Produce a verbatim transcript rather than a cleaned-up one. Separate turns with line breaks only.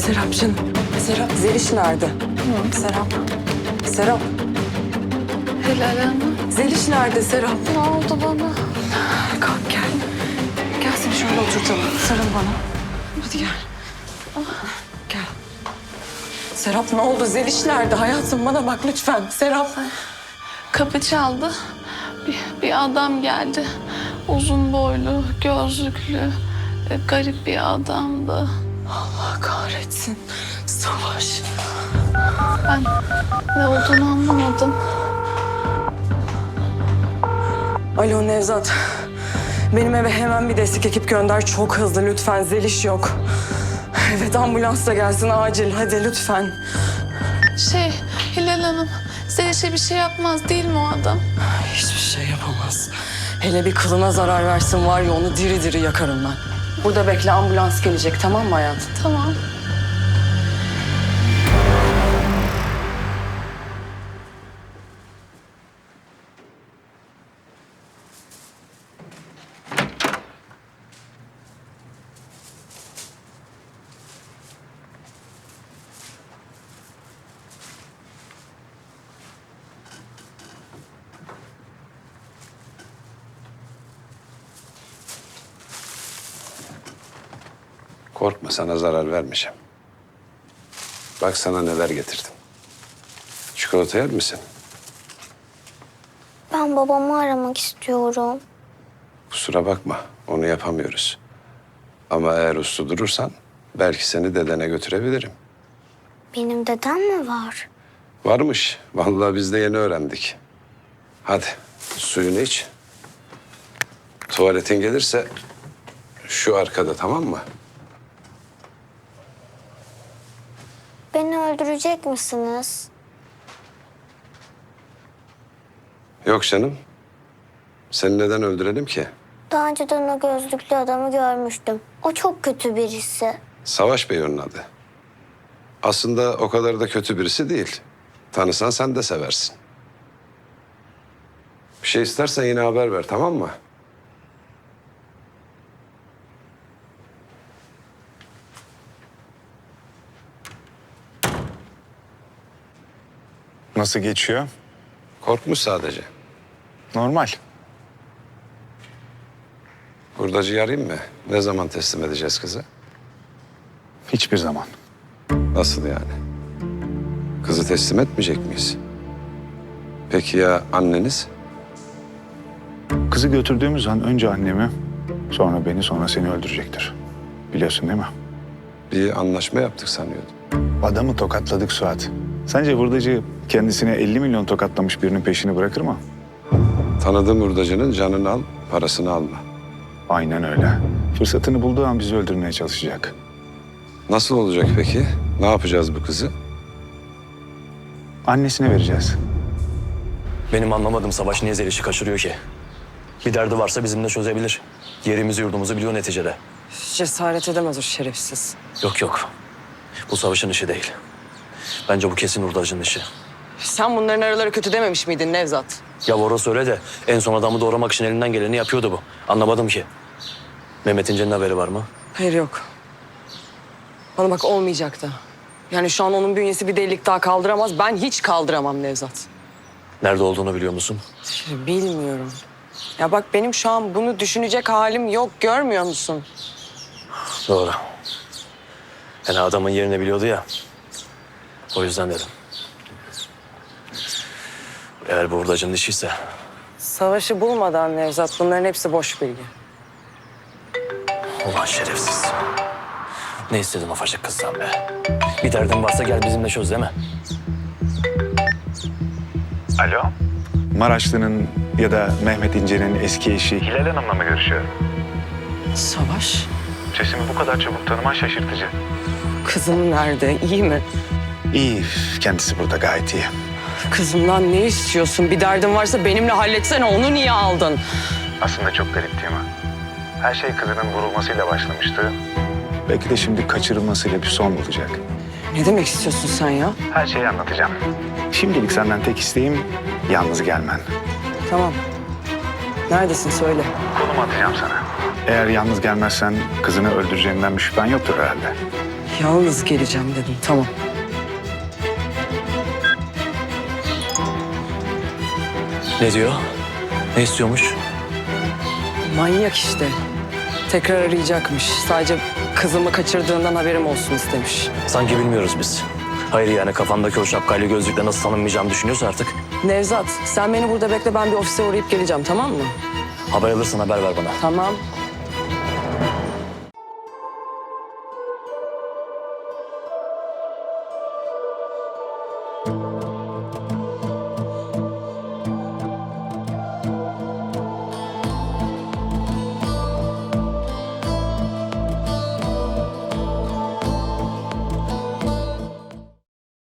Serap canım. Serap, Zeliş nerede?
Hı.
Serap. Serap.
Hilal Hanım.
Zeliş nerede Serap?
Ne oldu bana?
Kalk gel. Gel seni şöyle oturtalım. Sarıl bana. Hadi gel. Gel. Serap ne oldu? Zeliş nerede? Hayatım bana bak lütfen. Serap.
Kapı çaldı. Bir, bir adam geldi. Uzun boylu, gözlüklü, e, garip bir adamdı.
Allah kahretsin. Savaş.
Ben ne olduğunu anlamadım.
Alo Nevzat. Benim eve hemen bir destek ekip gönder. Çok hızlı lütfen. Zeliş yok. Evet ambulans da gelsin acil. Hadi lütfen.
Şey, Hilal Hanım, Zeliş'e bir şey yapmaz değil mi o adam?
Hiçbir şey yapamaz. Hele bir kılına zarar versin var ya onu diri diri yakarım ben. Burada bekle ambulans gelecek tamam mı hayatım?
Tamam.
Korkma, sana zarar vermeyeceğim. Bak sana neler getirdim. Çikolata yer misin?
Ben babamı aramak istiyorum.
Kusura bakma, onu yapamıyoruz. Ama eğer uslu durursan belki seni dedene götürebilirim.
Benim dedem mi var?
Varmış, vallahi biz de yeni öğrendik. Hadi suyunu iç. Tuvaletin gelirse şu arkada, tamam mı?
Beni öldürecek misiniz?
Yok canım. Seni neden öldürelim ki?
Daha önceden o gözlüklü adamı görmüştüm. O çok kötü birisi.
Savaş Bey onun adı. Aslında o kadar da kötü birisi değil. Tanısan sen de seversin. Bir şey istersen yine haber ver, tamam mı?
Nasıl geçiyor?
Korkmuş sadece.
Normal.
Hurdacıyı arayayım mı? Ne zaman teslim edeceğiz kızı?
Hiçbir zaman.
Nasıl yani? Kızı teslim etmeyecek miyiz? Peki ya anneniz?
Kızı götürdüğümüz an önce annemi, sonra beni, sonra seni öldürecektir. Biliyorsun değil mi?
Bir anlaşma yaptık sanıyordum.
Adamı tokatladık Suat. Sence hurdacı kendisine elli milyon tokatlamış birinin peşini bırakır mı?
Tanıdığım hurdacının canını al, parasını alma.
Aynen öyle. Fırsatını bulduğu an bizi öldürmeye çalışacak.
Nasıl olacak peki? Ne yapacağız bu kızı?
Annesine vereceğiz.
Benim anlamadığım Savaş niye Zeliş'i kaçırıyor ki? Bir derdi varsa bizimle çözebilir. Yerimizi yurdumuzu biliyor neticede.
Cesaret edemez o şerefsiz.
Yok yok. Bu Savaş'ın işi değil. Bence bu kesin hurdacının işi.
Sen bunların araları kötü dememiş miydin Nevzat?
Ya orası öyle de en son adamı doğramak için elinden geleni yapıyordu bu. Anlamadım ki. Mehmet İnce'nin haberi var mı?
Hayır yok. Bana bak olmayacak da. Yani şu an onun bünyesi bir delilik daha kaldıramaz. Ben hiç kaldıramam Nevzat.
Nerede olduğunu biliyor musun?
Şey, bilmiyorum. Ya bak benim şu an bunu düşünecek halim yok. Görmüyor musun?
Doğru. Yani adamın yerini biliyordu ya. O yüzden dedim. Eğer bu hurdacının işiyse
Savaşı bulmadan Nevzat bunların hepsi boş bilgi.
ulan şerefsiz. Ne istedin ufacık kızdan be? Bir derdin varsa gel bizimle çöz değil mi?
Alo? Maraşlı'nın ya da Mehmet İnce'nin eski eşi Hilal Hanım'la mı görüşüyorum?
Savaş?
Sesimi bu kadar çabuk tanıman şaşırtıcı.
Kızım nerede? İyi mi?
İyi, kendisi burada gayet iyi.
Kızımdan ne istiyorsun? Bir derdin varsa benimle halletsene. Onu niye aldın?
Aslında çok garip değil mi? Her şey kızının vurulmasıyla başlamıştı. Belki de şimdi kaçırılmasıyla bir son bulacak.
Ne demek istiyorsun sen ya?
Her şeyi anlatacağım. Şimdilik senden tek isteğim yalnız gelmen.
Tamam. Neredesin söyle.
Konumu atacağım sana. Eğer yalnız gelmezsen kızını öldüreceğinden bir şüphen yoktur herhalde.
Yalnız geleceğim dedim, tamam.
Ne diyor? Ne istiyormuş?
Manyak işte. Tekrar arayacakmış. Sadece kızımı kaçırdığından haberim olsun istemiş.
Sanki bilmiyoruz biz. Hayır yani kafandaki o şapkayla gözlükle nasıl tanınmayacağımı düşünüyorsa artık.
Nevzat, sen beni burada bekle, ben bir ofise uğrayıp geleceğim, tamam mı?
Haber alırsan haber ver bana.
Tamam.